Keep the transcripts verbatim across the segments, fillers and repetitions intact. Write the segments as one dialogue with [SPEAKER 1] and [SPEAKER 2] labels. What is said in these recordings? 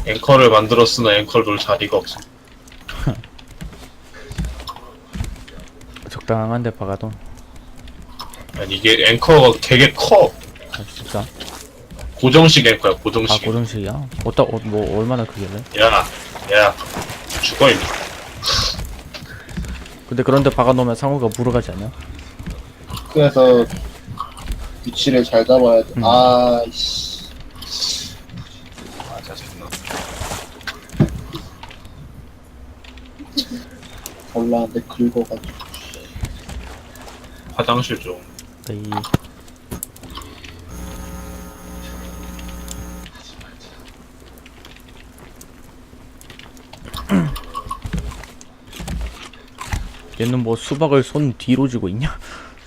[SPEAKER 1] 앵커를 만들었으나 앵커를 놓을 자리가 없어.
[SPEAKER 2] 적당한데 박아도.
[SPEAKER 1] 아니 이게 앵커가 되게 커.
[SPEAKER 2] 아 진짜?
[SPEAKER 1] 고정식 앵커야
[SPEAKER 2] 아
[SPEAKER 1] 고정식.
[SPEAKER 2] 고정식이야? 어따 어, 뭐 얼마나 크길래?
[SPEAKER 1] 야, 야, 죽어 임마.
[SPEAKER 2] 근데 그런데 박아놓으면 상호가 물어가지 않냐?
[SPEAKER 3] 그래서 위치를 잘 잡아야 돼.
[SPEAKER 2] 음.
[SPEAKER 3] 아이씨.
[SPEAKER 1] 아 짜증나.
[SPEAKER 3] 올라왔는데 긁어가지고.
[SPEAKER 1] 화장실 좀.
[SPEAKER 2] 이 얘는 뭐 수박을 손 뒤로 쥐고 있냐?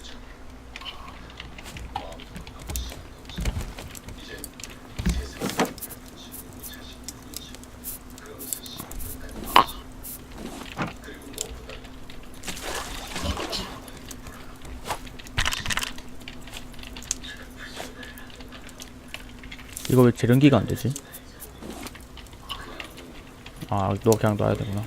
[SPEAKER 2] 이거 왜 재련기가 안 되지? 아, 너 그냥 놔야 되구나.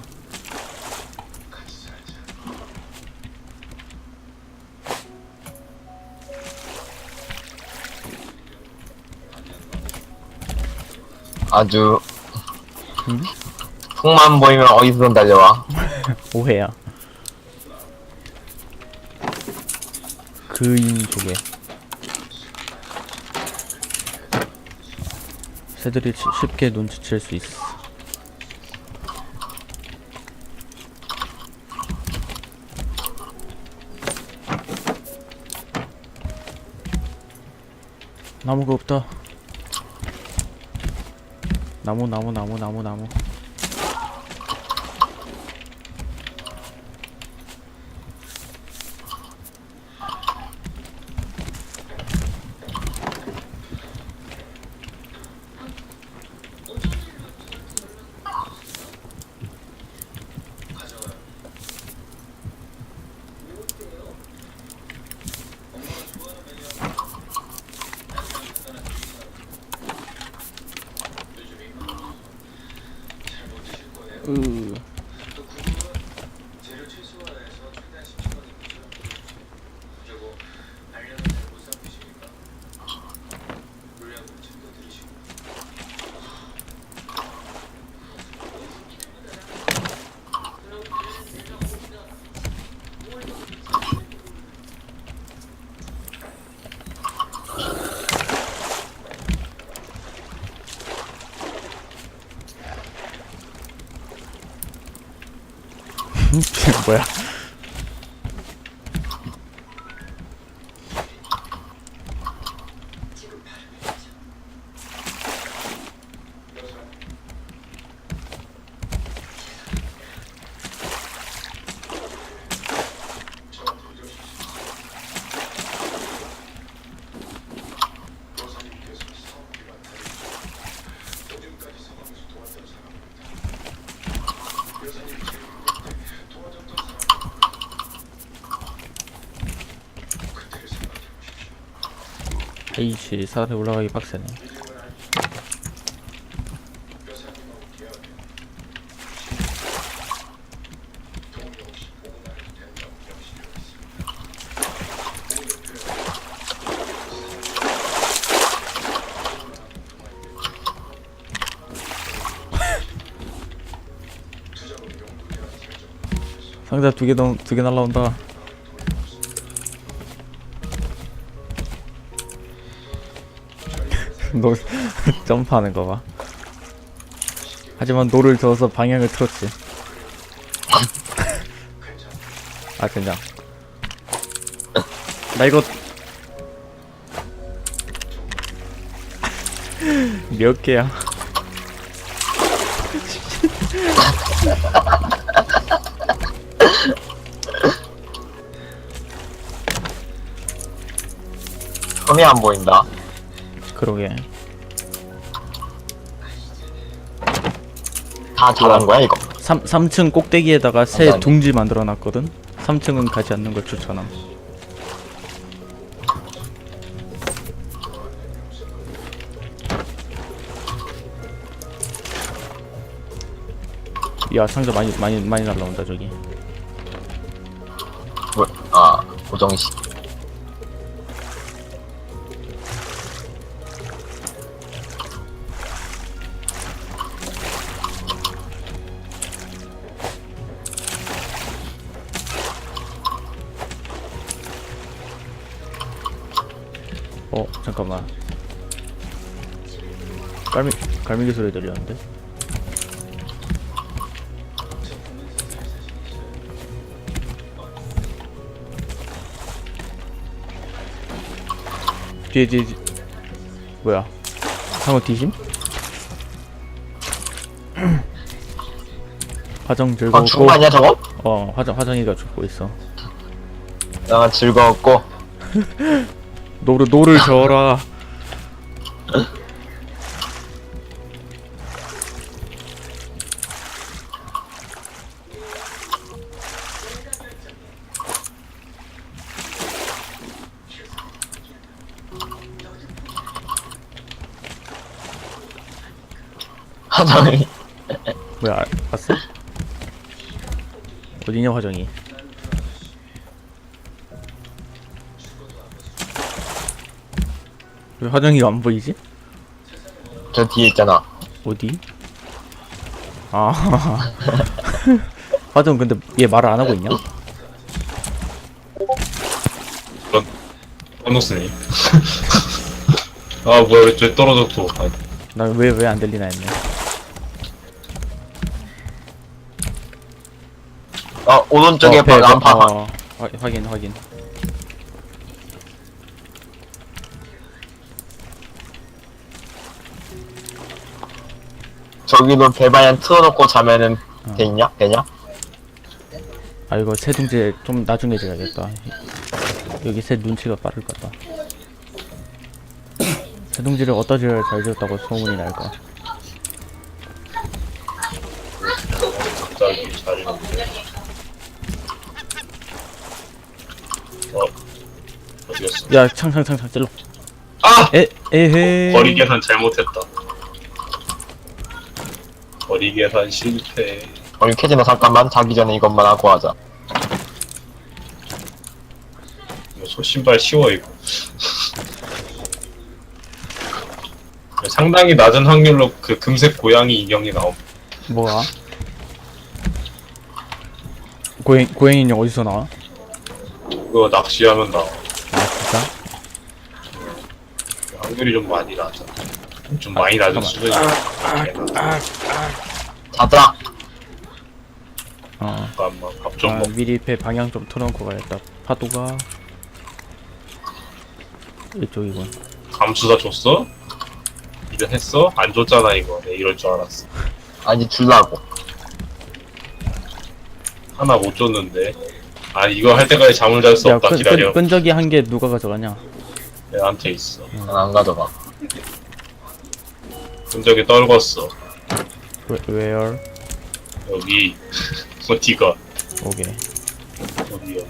[SPEAKER 4] 아주
[SPEAKER 2] 응?
[SPEAKER 4] 풍만 보이면 어디서든 달려와.
[SPEAKER 2] 오해야. 그인 조개. 새들이 치- 쉽게 눈치챌 수 있어. 나무가 없다. 나무 나무 나무 나무 나무. 으. 이게 뭐야? 에이씨, 사다리 올라가기 빡세네. 상자 두 개, 두 개 날라온다. 노 점프하는 거 봐. 하지만 노를 저어서 방향을 틀었지. 아 그냥 나 이거 몇 개야?
[SPEAKER 4] 손이 안 보인다.
[SPEAKER 2] 그러게.
[SPEAKER 4] 다 잘한 거야 이거.
[SPEAKER 2] 삼, 삼 층 꼭대기에다가 새
[SPEAKER 4] 감사합니다.
[SPEAKER 2] 둥지 만들어 놨거든? 삼 층은 가지 않는 걸 추천함. 야 상자 많이 많이 많이 날라온다 저기.
[SPEAKER 4] 뭐, 아, 고정식.
[SPEAKER 2] 어 잠깐만. 갈미 갈매기 소리 들리는데. 뒤에 뒤에 뒤에. 뭐야? 상어 뒤심? 화정
[SPEAKER 4] 아,
[SPEAKER 2] 즐거웠고.
[SPEAKER 4] 죽은 거 아니야, 저거?
[SPEAKER 2] 어 화정 화정이가 죽고 있어.
[SPEAKER 4] 나 즐거웠고.
[SPEAKER 2] 노를 노를 저어라.
[SPEAKER 4] 화장이.
[SPEAKER 2] 뭐야 알- 봤어? 어디냐 화정이? 왜 화정이가 안 보이지?
[SPEAKER 4] 저 뒤에 있잖아.
[SPEAKER 2] 어디? 아 화정 근데 얘 말을 안 하고 있냐?
[SPEAKER 1] 까먹으니. 아 뭐야 왜 저 떨어졌어. 아,
[SPEAKER 2] 난 왜 왜 안 들리나 했네.
[SPEAKER 4] 어, 오른쪽에
[SPEAKER 2] 어, 배, 배,
[SPEAKER 4] 안파.
[SPEAKER 2] 어, 화, 확인 확인.
[SPEAKER 4] 저기도 배반향 틀어놓고 자면은 되냐? 되냐?
[SPEAKER 2] 아 이거 새 둥지 좀 나중에 지어야겠다. 여기 새 눈치가 빠를 것 같다. 새 둥지를 어디다 지어야 잘 지었다고 소문이 날까?
[SPEAKER 1] 갑자기 잘했는데. 어 어디였어?
[SPEAKER 2] 야 창창창창 찔러.
[SPEAKER 1] 아!
[SPEAKER 2] 에 에헤.
[SPEAKER 1] 거리 계산 잘못했다. 거리 계산 실패.
[SPEAKER 4] 우리 캐지너 잠깐만 자기 전에 이것만 하고 하자.
[SPEAKER 1] 이거 소신발 쉬워 이거. 상당히 낮은 확률로 그 금색 고양이 인형이 나옴.
[SPEAKER 2] 뭐야? 고행 고행 인형 어디서 나와?
[SPEAKER 1] 그거 낚시하면 나와.
[SPEAKER 2] 아 진짜?
[SPEAKER 1] 확률이 좀 많이 낮아. 좀 많이 낮은 수준이야.
[SPEAKER 4] 자자.
[SPEAKER 2] 어.
[SPEAKER 1] 잠깐만 밥 좀
[SPEAKER 2] 아,
[SPEAKER 1] 먹.
[SPEAKER 2] 미리 배 방향 좀 틀어놓고 가야겠다. 파도가 이쪽이군.
[SPEAKER 1] 감수사 줬어? 이거 했어? 안 줬잖아 이거. 내 이럴 줄 알았어.
[SPEAKER 4] 아니 줄라고.
[SPEAKER 1] 하나 못 줬는데. 아 이거 할 때까지 잠을 잘 수
[SPEAKER 2] 야
[SPEAKER 1] 없다.
[SPEAKER 2] 끈,
[SPEAKER 1] 기다려.
[SPEAKER 2] 끈, 끈적이 한 개 누가 가져가냐?
[SPEAKER 1] 내한테 있어.
[SPEAKER 4] 난 안 가져가.
[SPEAKER 1] 흔적이 떨궜어.
[SPEAKER 2] Where- Where?
[SPEAKER 1] 여기 어디가?
[SPEAKER 2] 오케이.
[SPEAKER 1] 어디요?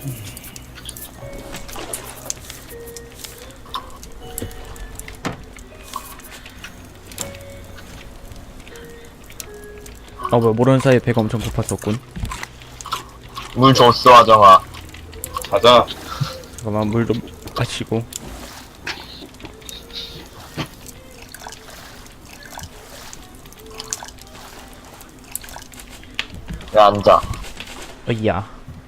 [SPEAKER 2] 아 뭐야 모르는 사이에 배가 엄청 고팠었군.
[SPEAKER 4] 물 줬어 하정아.
[SPEAKER 1] 가자.
[SPEAKER 2] 잠깐만 물 좀 마시고.
[SPEAKER 4] 야 앉아.
[SPEAKER 2] 어이야.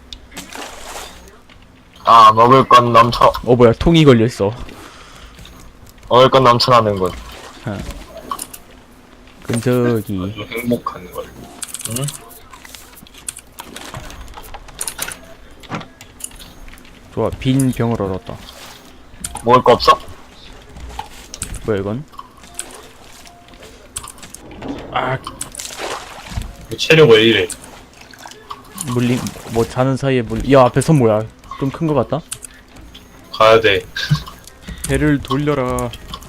[SPEAKER 4] 아 먹을 건 넘쳐.
[SPEAKER 2] 어 뭐야 통이 걸려있어.
[SPEAKER 4] 먹을 건 넘쳐나는군.
[SPEAKER 2] 끈적이.
[SPEAKER 1] 아주 행복한 걸.
[SPEAKER 4] 응?
[SPEAKER 2] 좋아 빈 병을 얻었다.
[SPEAKER 4] 먹을 거 없어?
[SPEAKER 2] 뭐야 이건? 아
[SPEAKER 1] 체력 왜 이래?
[SPEAKER 2] 물림 뭐 자는 사이에 물. 야 앞에 선 뭐야? 좀 큰 거 같다?
[SPEAKER 1] 가야 돼.
[SPEAKER 2] 배를 돌려라.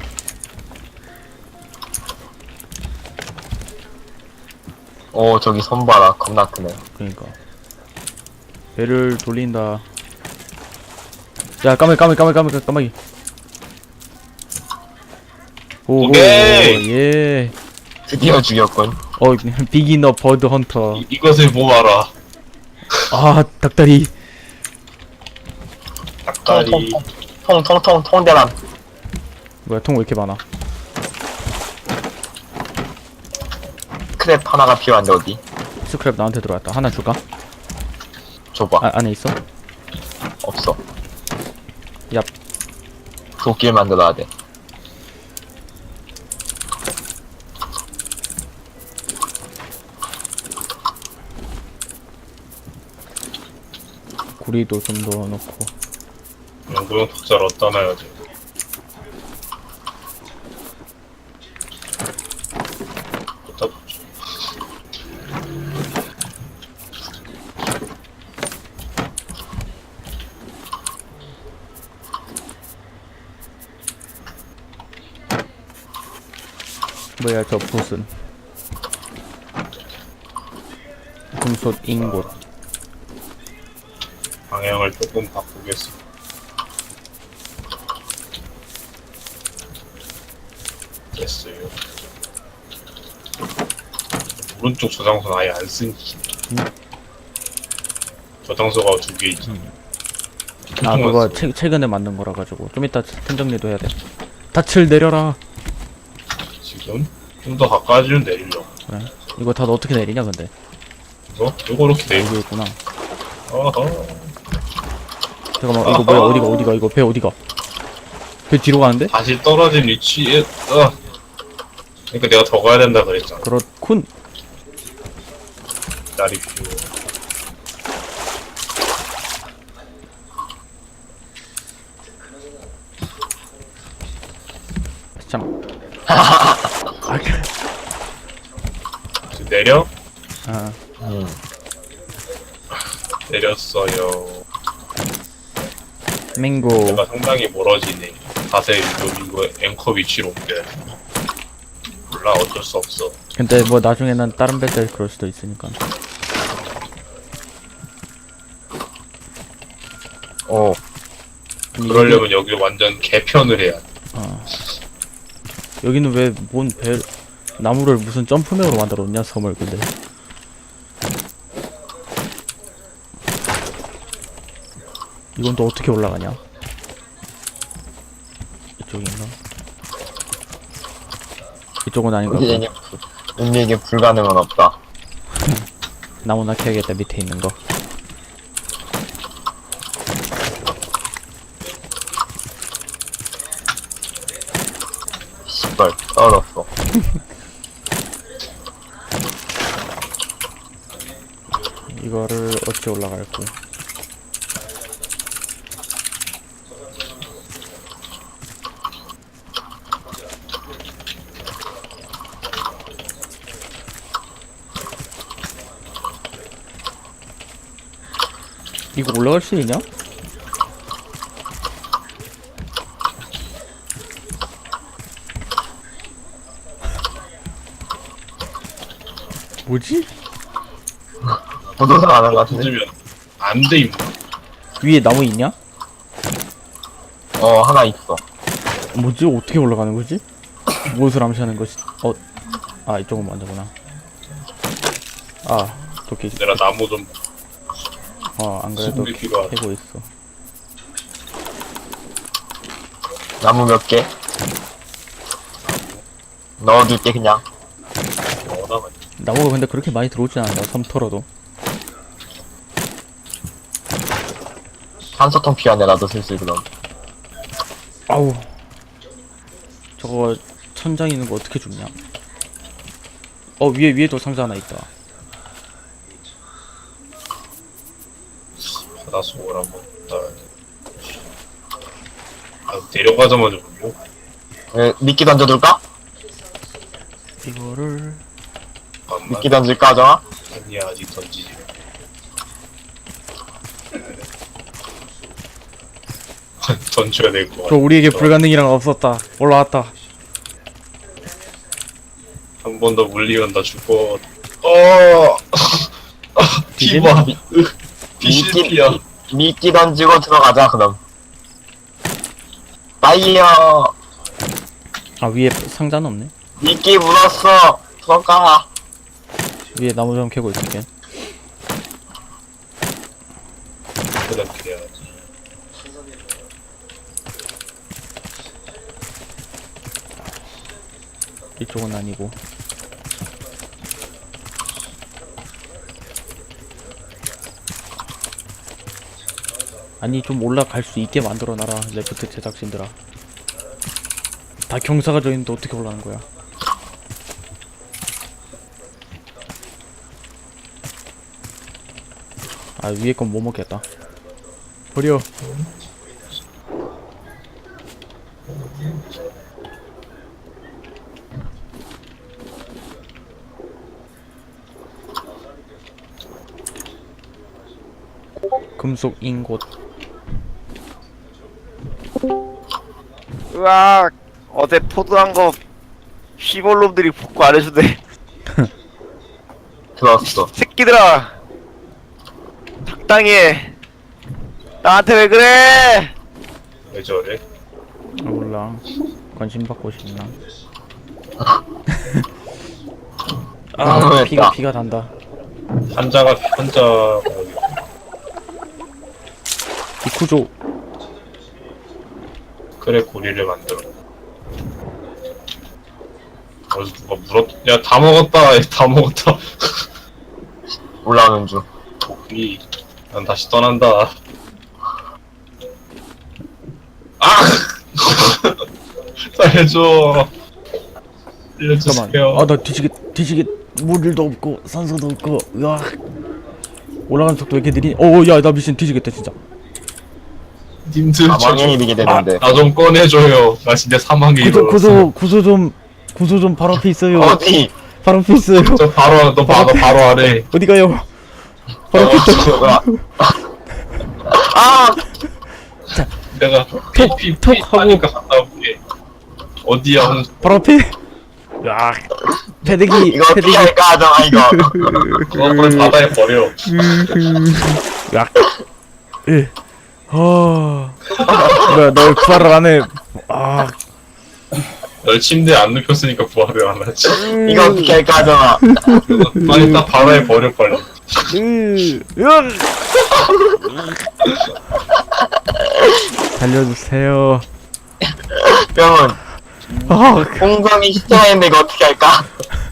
[SPEAKER 4] 오 저기 손 봐라 겁나 크네.
[SPEAKER 2] 그러니까 배를 돌린다. 야 까마귀 까마귀 까마귀 까마귀 까마귀. 오호
[SPEAKER 1] 오케이!
[SPEAKER 2] 예.
[SPEAKER 4] 드디어 죽였군.
[SPEAKER 2] 어 비기너 버드 헌터.
[SPEAKER 1] 이, 이것을 모아라.
[SPEAKER 2] 아 닭다리.
[SPEAKER 1] 닭다리.
[SPEAKER 4] 통통통 통대란.
[SPEAKER 2] 뭐야 통 왜 이렇게 많아?
[SPEAKER 4] 크랩 하나가 필요한데 어디?
[SPEAKER 2] 스크랩 나한테 들어왔다. 하나 줄까?
[SPEAKER 4] 줘봐.
[SPEAKER 2] 아 안에 있어?
[SPEAKER 4] 없어.
[SPEAKER 2] 얍.
[SPEAKER 4] 도끼를 만들어야 돼.
[SPEAKER 2] 구리도 좀 넣어놓고.
[SPEAKER 1] 연구용 탁자를 어디다 놔야 돼. 어디다 놓지?
[SPEAKER 2] 뭐야 저 붓은? 금속 인곳.
[SPEAKER 1] 방향을 조금 바꾸겠습니다. 됐어요. 오른쪽 저장소는 아예 안 쓰니.
[SPEAKER 2] 음.
[SPEAKER 1] 저장소가 두 개 있지.
[SPEAKER 2] 아 그거 최, 최근에 만든 거라 가지고 좀 이따 템 정리도 해야 돼. 닻을 내려라.
[SPEAKER 1] 지금 좀 더 가까워지면 내리려고.
[SPEAKER 2] 그래. 이거 다 어떻게 내리냐 근데?
[SPEAKER 1] 이거? 이거 이렇게 내리고.
[SPEAKER 2] 여기 있구나.
[SPEAKER 1] 어허.
[SPEAKER 2] 잠깐만 이거 뭐야 어디가 어디가 이거 배 어디가? 배 뒤로 가는데?
[SPEAKER 1] 다시 떨어진 위치에, 어. 그러니까 내가 더 가야 된다 그랬잖아.
[SPEAKER 2] 그렇군.
[SPEAKER 1] 날이 필요.
[SPEAKER 2] 참. 아, 그-
[SPEAKER 1] 지금 내려?
[SPEAKER 2] 아
[SPEAKER 4] 음.
[SPEAKER 1] 내렸어요.
[SPEAKER 2] 맹고.
[SPEAKER 1] 내가 상당히 멀어지네. 자세히 좀 이거 앵커 위치로 옮겨야 돼. 몰라, 어쩔 수 없어.
[SPEAKER 2] 근데 뭐 나중에는 다른 배들 그럴 수도 있으니까.
[SPEAKER 4] 오.
[SPEAKER 1] 그러려면 여기 완전 개편을 해야 돼.
[SPEAKER 2] 어. 여기는 왜 뭔 배 나무를 무슨 점프맨으로 만들었냐 섬을 근데. 이건 또 어떻게 올라가냐? 이쪽인가? 이쪽은 아닌가 보다.
[SPEAKER 4] 우리에게, 우리에게 불가능은 없다.
[SPEAKER 2] 나무나 캐야겠다 밑에 있는 거.
[SPEAKER 4] 씨발, 떨어졌어.
[SPEAKER 2] 이거를 어찌 올라갈고? 이거 올라갈 수 있냐? 뭐지?
[SPEAKER 4] 보도상 안 한 것 같은데?
[SPEAKER 1] 던지면 안 돼, 임마.
[SPEAKER 2] 위에 나무 있냐?
[SPEAKER 4] 어, 하나 있어.
[SPEAKER 2] 뭐지? 어떻게 올라가는 거지? 무엇을 암시하는 것이? 어? 아 이쪽은 먼저구나. 아 도끼.
[SPEAKER 1] 내가 나무 좀
[SPEAKER 2] 어 안 그래도
[SPEAKER 1] 수분이 필요하다.
[SPEAKER 2] 캐고 있어.
[SPEAKER 4] 나무 몇 개? 넣어둘게, 그냥.
[SPEAKER 1] 넣어놔.
[SPEAKER 2] 나무가 근데 그렇게 많이 들어오진 않아. 섬 털어도.
[SPEAKER 4] 산소통 필요한데, 나도 슬슬 그럼.
[SPEAKER 2] 아우. 저거 천장 있는 거 어떻게 줍냐? 어 위에 위에도 상자 하나 있다.
[SPEAKER 1] 바닷속을 한번 따. 아, 내려가자마자 물려.
[SPEAKER 4] 에, 미끼 던져둘까?
[SPEAKER 2] 이거를
[SPEAKER 1] 잠깐만.
[SPEAKER 4] 미끼 던질까, 하정아?
[SPEAKER 1] 아니야, 아직 던지지. 던져야 될 것 같아.
[SPEAKER 2] 저 우리에게 불가능이란 없었다. 올라왔다.
[SPEAKER 1] 한 번 더 물리면 나 죽어. 어, 피봐. 비실피야.
[SPEAKER 4] 미끼 던지고 들어가자, 그럼. 파이어!
[SPEAKER 2] 아 위에 상자는 없네.
[SPEAKER 4] 미끼 물었어! 들어가!
[SPEAKER 2] 위에 나무 좀 캐고 있을게.
[SPEAKER 1] 그다음 그래야지.
[SPEAKER 2] 이쪽은 아니고. 아니 좀 올라갈 수 있게 만들어놔라 레프트 제작진들아. 다 경사가 져 있는데 어떻게 올라가는 거야? 아 위에 건 못 먹겠다. 버려. 금속 인곳.
[SPEAKER 5] 으악 어제 포도한 거 시골놈들이 복구 안 해주네.
[SPEAKER 4] 들어왔어.
[SPEAKER 5] 새끼들아 적당히 해. 나한테 왜 그래?
[SPEAKER 1] 왜 저래?
[SPEAKER 2] 아, 몰라. 관심 받고 싶나? 아
[SPEAKER 4] 너무했다.
[SPEAKER 2] 피가 피가 단다.
[SPEAKER 1] 한자가 한자
[SPEAKER 2] 이쿠조.
[SPEAKER 1] 그래 고리를 만들어. 어디서 누가 물었? 야 다 먹었다. 다 먹었다.
[SPEAKER 4] 올라오는 중.
[SPEAKER 1] 고기. 난 다시 떠난다. 아! 살려줘. 살려주세요.
[SPEAKER 2] 잠깐만. 아 나 뒤지게 뒤지게 물도 없고 산소도 없고. 으아. 올라가는 속도 왜 이렇게 느리니? 어야 나 미친 뒤지겠다 진짜.
[SPEAKER 1] 님들
[SPEAKER 4] 사망에 이르게 되는데.
[SPEAKER 1] 나 좀 꺼내줘요. 나 진짜 사망에
[SPEAKER 2] 구소
[SPEAKER 1] 이르렀어.
[SPEAKER 2] 구소 구소 좀 구소 좀 바로 앞에 있어요.
[SPEAKER 4] 어디?
[SPEAKER 2] 바로 앞에 있어요.
[SPEAKER 1] 저 바로 너 바로 바로 아래.
[SPEAKER 2] 어디 가요? 바로 앞에 있다.
[SPEAKER 4] 뭐야? 아!
[SPEAKER 1] 내가
[SPEAKER 2] 톡,
[SPEAKER 1] 피피
[SPEAKER 2] 톡
[SPEAKER 1] 피
[SPEAKER 2] 하고.
[SPEAKER 1] 하니까 갔다 올게. 어디야? 홍
[SPEAKER 2] 바로 앞에. 야 패대기
[SPEAKER 4] 이거 어떻게
[SPEAKER 2] 패대기.
[SPEAKER 4] 할까 하잖아, 이거.
[SPEAKER 1] 그걸 바다에 버려.
[SPEAKER 2] 야. 예. 아. 뭐야 널 구하러 안 해. 아.
[SPEAKER 1] 널 침대에 안 눕혔으니까 부활을 안 하지.
[SPEAKER 4] 이거 어떻게 할까 하잖아.
[SPEAKER 1] 빨리 딱 바다에 버려 빨리.
[SPEAKER 2] 으. 으. 살려주세요.
[SPEAKER 4] 병은
[SPEAKER 2] 아.
[SPEAKER 4] 홍성이 시체가 있는데 이거 어떻게 할까?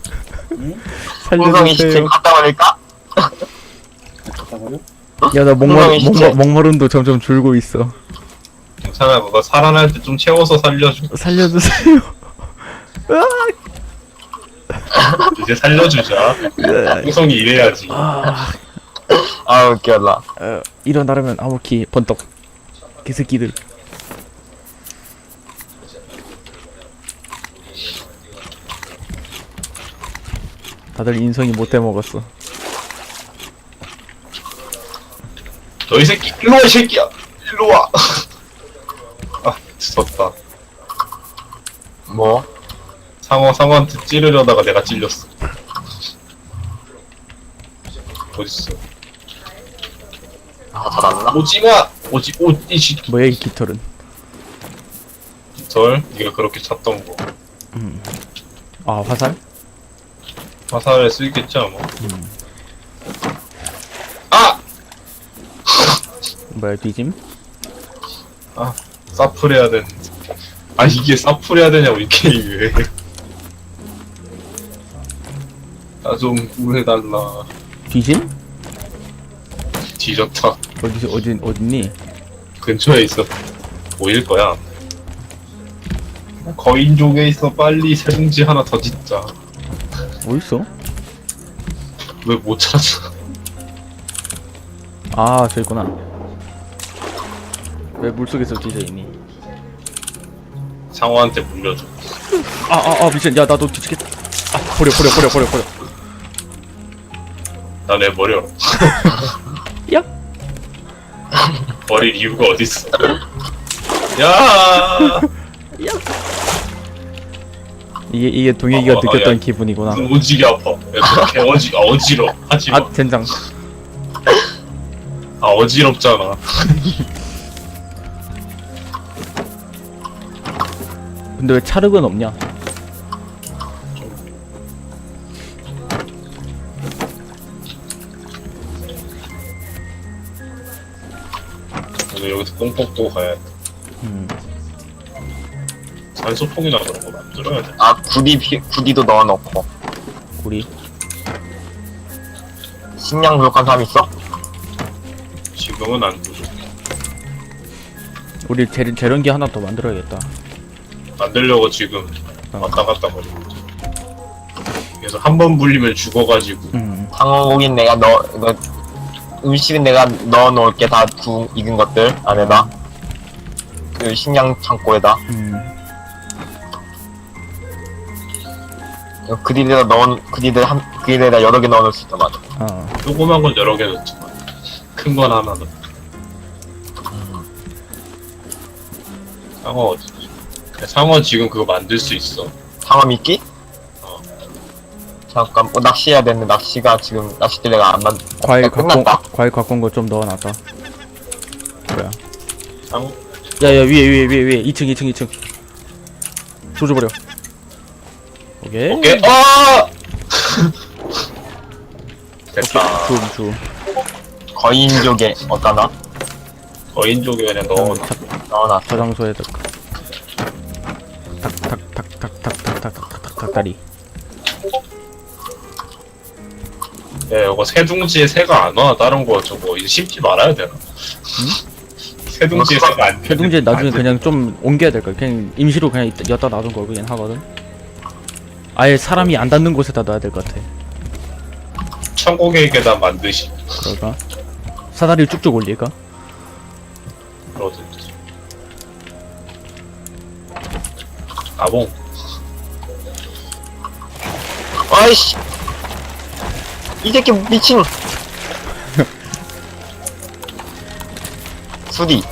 [SPEAKER 4] 홍성이 시체
[SPEAKER 2] 살려주세요.
[SPEAKER 4] 갖다 버릴까?
[SPEAKER 3] 잠깐만요.
[SPEAKER 2] 야나 목마
[SPEAKER 4] 홍성이 시체.
[SPEAKER 2] 목마 목마름도 점점 줄고 있어.
[SPEAKER 1] 괜찮아. 그거 살아날 때 좀 채워서 살려줘.
[SPEAKER 2] 살려주세요.
[SPEAKER 1] 이제 살려주자. 홍성이 이래야지.
[SPEAKER 2] 아.
[SPEAKER 4] 아, 웃겨라.
[SPEAKER 2] 어, 일어나려면 아무키 번떡. 개새끼들. 다들 인성이 못돼 먹었어.
[SPEAKER 1] 너 이 새끼 일로 와 이 새끼야. 일로 와. 아 죽었다.
[SPEAKER 4] 뭐?
[SPEAKER 1] 상어 상어한테 찌르려다가 내가 찔렸어. 어딨어?
[SPEAKER 4] 아, 닫았나?
[SPEAKER 1] 오지마. 오지 오이씨.
[SPEAKER 2] 뭐야 이 깃털은?
[SPEAKER 1] 절 네가 그렇게 찾던 거.
[SPEAKER 2] 아 화살?
[SPEAKER 1] 화살에 쓰겠죠 뭐. 아!
[SPEAKER 2] 뭐야 뒤짐?
[SPEAKER 1] 아 사플 해야 되는데. 아 이게 사플 해야 되냐고 이 게임이. 나 좀 구해달라.
[SPEAKER 2] 뒤짐?
[SPEAKER 1] 뒤졌다.
[SPEAKER 2] 어디 어디 어딨니?
[SPEAKER 1] 근처에 있어. 보일 거야. 거인족에 있어. 빨리 세봉지 하나 더 짓자.
[SPEAKER 2] 어딨어?
[SPEAKER 1] 왜 못 찾아?
[SPEAKER 2] 아 저기 있구나. 왜 물속에서 뒤져 있니?
[SPEAKER 1] 상어한테 물려줘.
[SPEAKER 2] 아아아 미친 야 나도 뒤지겠다. 아 버려 버려 버려 버려 버려.
[SPEAKER 1] 나 내 버려.
[SPEAKER 2] 야.
[SPEAKER 1] 버릴 이유가 어딨어? 야.
[SPEAKER 2] 이게 이게 동혁이가
[SPEAKER 1] 어, 어,
[SPEAKER 2] 느꼈던
[SPEAKER 1] 야.
[SPEAKER 2] 기분이구나.
[SPEAKER 1] 눈 오지게 아파. 야, 개 어지, 아, 어지러. 하지 마.
[SPEAKER 2] 아 젠장.
[SPEAKER 1] 아, 어지럽잖아.
[SPEAKER 2] 근데 왜 차륵은 없냐?
[SPEAKER 1] 이거 여기서 뽕 뽑고 가야 돼.
[SPEAKER 2] 음.
[SPEAKER 1] 산소통이나 그런 거 만들어야 돼.
[SPEAKER 4] 아 구디 피- 구디도 넣어놓고.
[SPEAKER 2] 우리
[SPEAKER 4] 식량 부족한 사람 있어?
[SPEAKER 1] 지금은 안 부족.
[SPEAKER 2] 우리 재, 재련기 하나 더 만들어야겠다.
[SPEAKER 1] 만들려고 지금
[SPEAKER 2] 어.
[SPEAKER 1] 왔다 갔다 거리고 있어. 그래서 한 번 물리면 죽어가지고
[SPEAKER 2] 음.
[SPEAKER 4] 상어고기는 내가 넣어 이거 음식은 내가 넣어놓을게 다 구 익은 것들 안에다. 그 식량 창고에다.
[SPEAKER 2] 음.
[SPEAKER 4] 이거 그릴에다 넣어 그릴에 한 그릴에다 여러 개 넣어놓을 수 있단 말이야.
[SPEAKER 2] 어.
[SPEAKER 1] 조그만 건 여러 개 넣지만 큰 건 하나 넣어. 상어 어디? 상어 지금 그거 만들 수 있어.
[SPEAKER 4] 상어 미끼?
[SPEAKER 1] 어.
[SPEAKER 4] 잠깐 뭐 낚시해야 되는데 낚시가 지금 낚싯대 내가 안 만.
[SPEAKER 2] 과일
[SPEAKER 4] 어,
[SPEAKER 2] 갖고
[SPEAKER 4] 끝났다.
[SPEAKER 2] 과일 갖고 온 거 좀 넣어놨다. 뭐야?
[SPEAKER 1] 상어
[SPEAKER 2] 야야 위에 위에 위에 위에 이 층 이 층 이 층. 조져버려. 오케이.
[SPEAKER 1] 오케이. 아! 됐다.
[SPEAKER 2] 줌 줌.
[SPEAKER 4] 거인족에 어떠나?
[SPEAKER 1] 거인족에 그냥 넣어.
[SPEAKER 4] 넣어놨어.
[SPEAKER 2] 저장소에 탁탁탁탁탁탁탁탁탁탁탁탁탁 닭다리.
[SPEAKER 1] 야, 이거 새둥지에 새가 안 와. 다른 거 저거 이제 심지 말아야 되나? 새둥지에 새가 안.
[SPEAKER 2] 세둥지 나중에
[SPEAKER 1] 안
[SPEAKER 2] 그냥 좀 옮겨야 될 거야. 그냥 임시로 그냥 이따- 여기다 놔둔 거긴 하거든. 아예 사람이 안 닿는 곳에다 놔야 될 것 같아.
[SPEAKER 1] 천국의 계단 만드시.
[SPEAKER 2] 그럴까? 사다리 쭉쭉 올릴까?
[SPEAKER 1] 그러든지. 아봉.
[SPEAKER 4] 아이씨. 이 새끼 미친. 수디.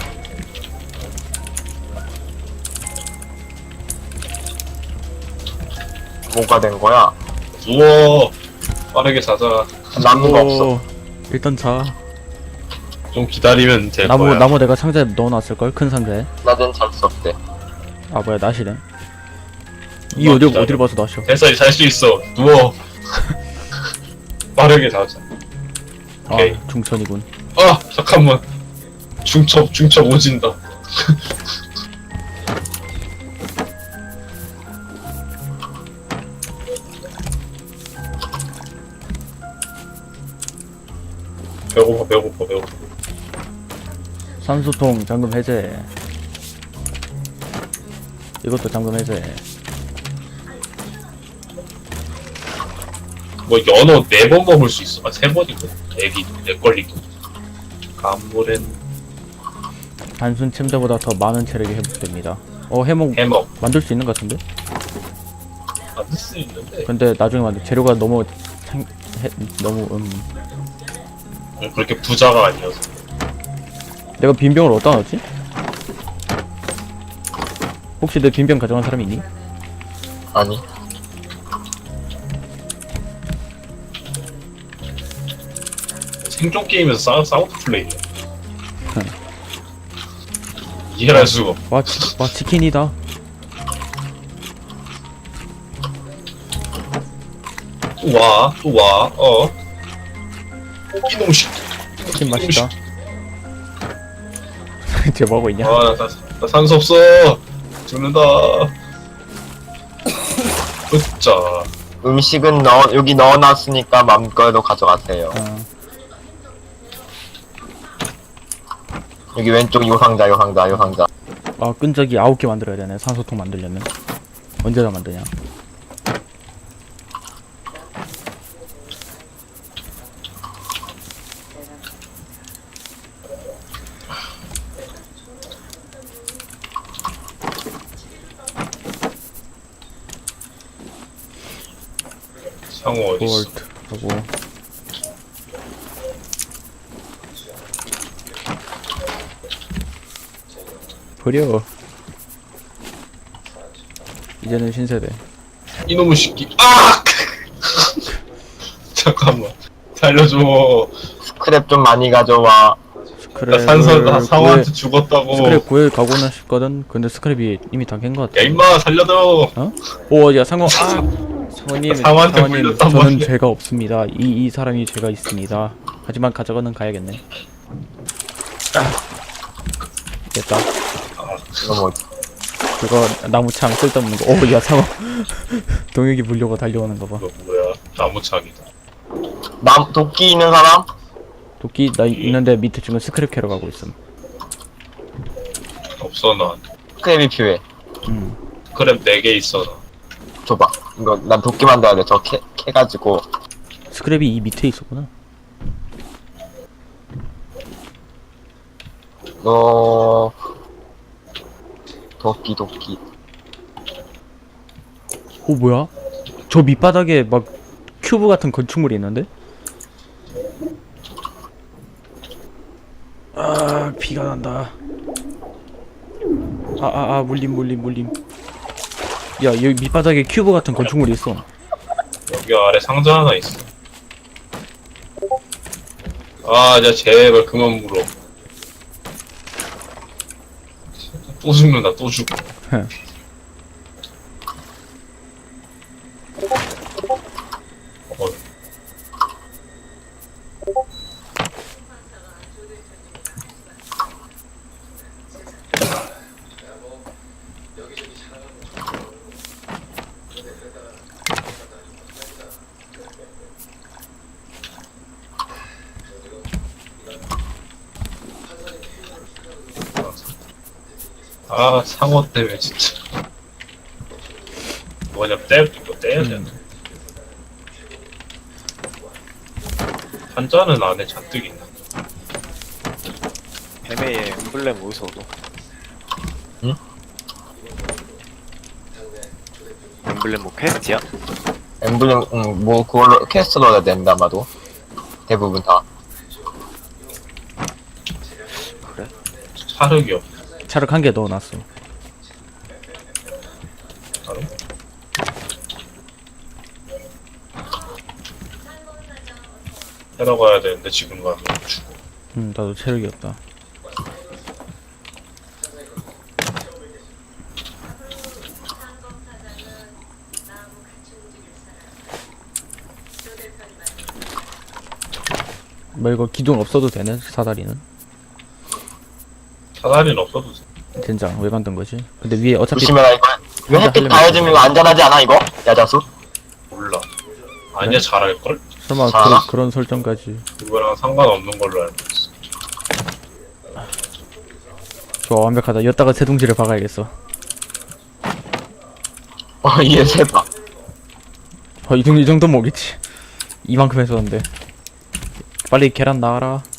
[SPEAKER 4] 뭐가 된 거야?
[SPEAKER 1] 누워. 빠르게 자자.
[SPEAKER 4] 나무가 없어.
[SPEAKER 2] 오, 일단 자.
[SPEAKER 1] 좀 기다리면 될
[SPEAKER 2] 나무
[SPEAKER 1] 거야.
[SPEAKER 2] 나무 내가 상자에 넣어놨을 걸. 큰 상자에.
[SPEAKER 4] 낮엔 잘 수 없대.
[SPEAKER 2] 아 뭐야 낫이래. 이
[SPEAKER 1] 어,
[SPEAKER 2] 어디
[SPEAKER 1] 기다려.
[SPEAKER 2] 어디를 봐서 낫이야?
[SPEAKER 1] 됐어, 잘 수 있어. 누워. 빠르게 자자.
[SPEAKER 2] 아
[SPEAKER 1] 오케이.
[SPEAKER 2] 중천이군.
[SPEAKER 1] 아, 잠깐만. 중첩, 중첩 오진다. 배고파, 배고파, 배고파.
[SPEAKER 2] 산소통 잠금 해제. 이것도 잠금 해제.
[SPEAKER 1] 뭐 연어 네 번 먹을 수 있어. 아, 세 번이고. 애기 내 걸리고. 감물엔
[SPEAKER 2] 단순 침대보다 더 많은 체력이 회복됩니다. 어 해먹
[SPEAKER 1] 해먹.
[SPEAKER 2] 만들 수 있는 것 같은데?
[SPEAKER 1] 만들 수 있는데.
[SPEAKER 2] 근데 나중에 만들 재료가 너무 생, 해, 너무 음
[SPEAKER 1] 그렇게 부자가 아니어서.
[SPEAKER 2] 내가 빈병을 어디다 넣었지? 혹시 내 빈병 가져간 사람이 있니?
[SPEAKER 4] 아니.
[SPEAKER 1] 생존 게임에서 싸, 사우드 플레이야. 이해할 수가 없어.
[SPEAKER 2] 와, 치, 와 치킨이다.
[SPEAKER 1] 또 와, 또 와, 어. 이놈 씨.
[SPEAKER 2] 치킨 맛있다. 쟤 뭐하고 있냐?
[SPEAKER 1] 아, 나, 나, 나 산소 없어. 죽는다. 으짜.
[SPEAKER 4] 음식은 넣어 여기 넣어놨으니까 마음껏 가져가세요.
[SPEAKER 2] 어,
[SPEAKER 4] 여기 왼쪽 요 상자 요 상자 요 상자.
[SPEAKER 2] 아 끈적이 아홉 개 만들어야 되네. 산소통 만들려면 언제 다 만드냐?
[SPEAKER 1] 상어 어디 있어?
[SPEAKER 2] 볼트 하고 버려. 이제는 신세대.
[SPEAKER 1] 이놈의 새끼. 아! 잠깐만. 살려줘.
[SPEAKER 4] 스크랩 좀 많이 가져와.
[SPEAKER 1] 나
[SPEAKER 2] 스크랩을
[SPEAKER 1] 산소 나
[SPEAKER 2] 구해-
[SPEAKER 1] 상어한테 죽었다고.
[SPEAKER 2] 스크랩 구해 가고는 싶거든. 근데 스크랩이 이미 다 깬 것 같아.
[SPEAKER 1] 야 임마 살려줘.
[SPEAKER 2] 오, 야 상어. 아, 상어님,
[SPEAKER 1] 상어한테
[SPEAKER 2] 상어님,
[SPEAKER 1] 물렸단
[SPEAKER 2] 저는
[SPEAKER 1] 말이야.
[SPEAKER 2] 죄가 없습니다. 이 이 사람이 죄가 있습니다. 하지만 가져가는 가야겠네. 됐다.
[SPEAKER 1] 아,
[SPEAKER 4] 이거 뭐지?
[SPEAKER 2] 그거 나무창 쓸데없는 거. 오, 야 상어. 동혁이 물려고 달려오는 거 봐.
[SPEAKER 1] 이거 뭐야? 나무창이다.
[SPEAKER 4] 남 도끼 있는 사람?
[SPEAKER 2] 도끼 나 있는데 밑에 지금 스크랩 캐러 가고 있음.
[SPEAKER 1] 없어 나.
[SPEAKER 4] 크랩이 필요해.
[SPEAKER 2] 음.
[SPEAKER 1] 그램 네 개 있어 나.
[SPEAKER 4] 줘봐. 이거 난 도끼 만들어야 돼. 저 캐, 캐가지고.
[SPEAKER 2] 스크랩이 이 밑에 있었구나.
[SPEAKER 4] 너 도끼 도끼.
[SPEAKER 2] 오 뭐야? 저 밑바닥에 막 큐브 같은 건축물이 있는데? 아 비가 난다. 아아아 아, 물림 물림 물림. 야 여기 밑바닥에 큐브 같은 건축물이 있어.
[SPEAKER 1] 여기 아래 상자 하나 있어. 아, 진짜 제발 그만 물어. 또 죽는다, 또 죽어.
[SPEAKER 2] 헤.
[SPEAKER 1] 어, 아, 상어 때문에 진짜. 뭐냐, 떼, 이거 떼야 돼. 한자는 안에 잔뜩 있나?
[SPEAKER 5] 뱀의 엠블렘 어디서 얻어?
[SPEAKER 4] 응?
[SPEAKER 5] 엠블렘 뭐 퀘스트야?
[SPEAKER 4] 엠블렘 응, 뭐 그걸로 퀘스트 넣어야 된다 아마도. 대부분 다.
[SPEAKER 5] 그래?
[SPEAKER 1] 차륵이 없.
[SPEAKER 2] 차를 한 개 넣어놨어.
[SPEAKER 1] 바로? 해러 가야 되는데 지금 가면 죽어.
[SPEAKER 2] 음 나도 체력이 없다. 뭐 이거 기둥 없어도 되네 사다리는.
[SPEAKER 1] 사다리는 없어도 돼.
[SPEAKER 2] 젠장 왜 만든 거지? 근데 위에 어차피
[SPEAKER 4] 조심해라 이거. 이거 햇빛 가해주면 이거 안전하지 않아 이거? 야자수?
[SPEAKER 1] 몰라. 아니야, 잘할걸?
[SPEAKER 2] 설마
[SPEAKER 4] 자.
[SPEAKER 2] 그런, 그런 설정까지.
[SPEAKER 1] 그거랑 상관없는 걸로 알고 있어.
[SPEAKER 2] 좋아 완벽하다. 여기다가 세둥지를 박아야겠어.
[SPEAKER 4] 어 이게 세다.
[SPEAKER 2] 어, 이 정도, 이 정도 먹겠지. 이만큼 했었는데. 빨리 계란 나와라.